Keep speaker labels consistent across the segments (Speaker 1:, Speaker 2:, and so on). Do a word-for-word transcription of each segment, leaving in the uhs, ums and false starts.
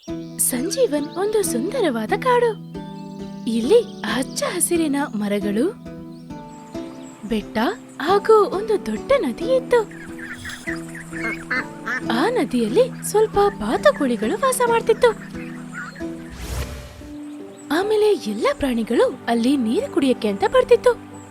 Speaker 1: ಸಂಜೀವನ್ ಒಂದು ಸುಂದರವಾದ ಕಾಡು. ಇಲ್ಲಿ ಹಚ್ಚ ಹಸಿರಿನ ಮರಗಳು, ಬೆಟ್ಟ ಹಾಗೂ ಒಂದು ದೊಡ್ಡ ನದಿ ಇತ್ತು. ಆ ನದಿಯಲ್ಲಿ ಸ್ವಲ್ಪ ಬಾತುಕೋಳಿಗಳು ವಾಸ ಮಾಡ್ತಿತ್ತು. ಆಮೇಲೆ ಎಲ್ಲ ಪ್ರಾಣಿಗಳು ಅಲ್ಲಿ ನೀರು ಕುಡಿಯಕ್ಕೆ ಅಂತ ಬರ್ತಿತ್ತು.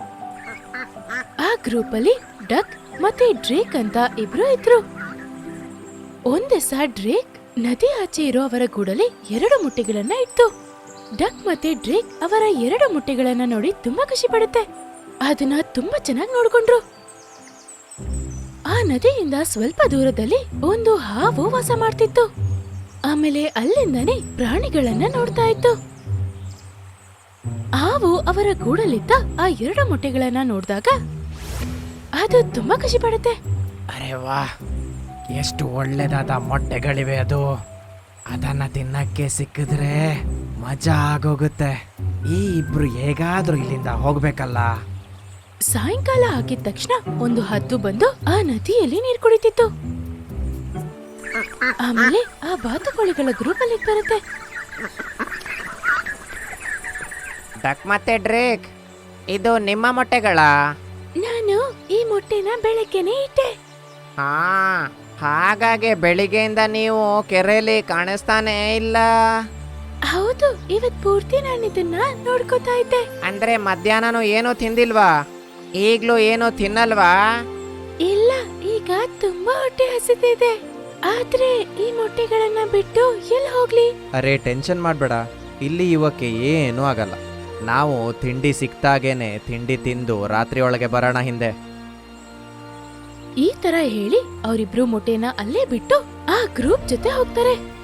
Speaker 1: ಆ ಗ್ರೂಪ್ ಅಲ್ಲಿ ಡಕ್ ಮತ್ತೆ ಡ್ರೇಕ್ ಅಂತ ಇಬ್ರು ಇದ್ರು. ಒಂದಿವಸ ಡ್ರೇಕ್ ನದಿ ಆಚೆ ಇರೋ ಅವರ ಗೂಡಲ್ಲಿ ಎರಡು ಮೊಟ್ಟೆಗಳನ್ನ ಇಟ್ಟು. ಡಕ್ ಮತ್ತೆ ಡ್ರೇಕ್ ಅವರ ಎರಡು ಮೊಟ್ಟೆಗಳನ್ನ ನೋಡಿ ತುಂಬಾ ಖುಷಿ ಪಡುತ್ತೆ. ಅದನ್ನ ತುಂಬಾ ಚೆನ್ನಾಗಿ ನೋಡ್ಕೊಂಡ್ರು. ಆ ನದಿಯಿಂದ ಸ್ವಲ್ಪ ದೂರದಲ್ಲಿ ಒಂದು ಹಾವು ವಾಸ ಮಾಡ್ತಿತ್ತು. ಆಮೇಲೆ ಅಲ್ಲಿಂದಾನೆ ಪ್ರಾಣಿಗಳನ್ನ ನೋಡ್ತಾ ಇತ್ತು. ಹಾವು ಅವರ ಗೂಡಲ್ಲಿದ್ದ ಆ ಎರಡು ಮೊಟ್ಟೆಗಳನ್ನ ನೋಡಿದಾಗ ಅದು ತುಂಬಾ ಖುಷಿ ಪಡುತ್ತೆ.
Speaker 2: ಅರೆ ವಾ, ಎಷ್ಟು ಒಳ್ಳೆದಾದ ಮೊಟ್ಟೆಗಳಿವೆ. ಅದು ಅದನ್ನ ತಿನ್ನಕ್ಕೆ ಸಿಕ್ಕಿದ್ರೆ ಮಜಾ ಆಗೋಗುತ್ತೆ. ಈ ಇಬ್ರು ಹೇಗಾದ್ರೂ ಇಲ್ಲಿಂದ ಹೋಗ್ಬೇಕಲ್ಲ.
Speaker 1: ಸಾಯಂಕಾಲ ಆಗಿದ ತಕ್ಷಣ ಒಂದು ಹದ್ದು ಬಂದು ಆ ನದಿಯಲ್ಲಿ ನೀರು ಕುಡಿತಿತ್ತು. ಆಮೇಲೆ ಆ ಬಾತುಕೋಳಿಗಳ ಗ್ರೂಪ್ ಅಲ್ಲಿ ಬರುತ್ತೆ.
Speaker 2: ಡಕ್ ಮತ್ತೆ ಡ್ರೇಕ್, ಇದು ನಿಮ್ಮ ಮೊಟ್ಟೆಗಳ?
Speaker 1: ನಾನು ಈ ಮೊಟ್ಟೆನ ಬೆಳಗ್ಗೆನೆ ಇಟ್ಟೆ.
Speaker 2: ಹಾ, ಹಾಗಾಗಿ ಬೆಳಿಗ್ಗೆಯಿಂದ ನೀವು ಕೆರೆಯಲ್ಲಿ ಕಾಣಿಸ್ತಾನೇ ಇಲ್ಲ.
Speaker 1: ಹೌದು, ಇವತ್ ಪೂರ್ತಿ ನಾನು ಇದನ್ನ ನೋಡ್ಕೋತಾ ಇದ್ದೆ.
Speaker 2: ಅಂದ್ರೆ ಮಧ್ಯಾಹ್ನನೂ ಏನೂ ತಿಂದಿಲ್ವಾ? ಈಗ್ಲೂ ಏನೂ ತಿನ್ನಲ್ವಾ?
Speaker 1: ಇಲ್ಲ, ಈಗ ತುಂಬಾ ಹೊಟ್ಟೆ ಹಸಿತಿದೆ. ಆದ್ರೆ ಈ ಮೊಟ್ಟೆಗಳನ್ನ ಬಿಟ್ಟು ಎಲ್ಲಿ ಹೋಗ್ಲಿ?
Speaker 3: ಅರೆ ಟೆನ್ಷನ್ ಮಾಡಬೇಡ, ಇಲ್ಲಿ ಇವಕ್ಕೆ ಏನೂ ಆಗಲ್ಲ. ನಾವು ತಿಂಡಿ ಸಿಕ್ತಾಗೇನೆ ತಿಂಡಿ ತಿಂದು ರಾತ್ರಿ ಒಳಗೆ ಬರೋಣ ಹಿಂದೆ.
Speaker 1: ಈ ತರ ಹೇಳಿ ಅವರಿಬ್ರು ಮೊಟ್ಟೆನ ಅಲ್ಲೇ ಬಿಟ್ಟು ಆ ಗ್ರೂಪ್ ಜೊತೆ ಹೋಗ್ತಾರೆ.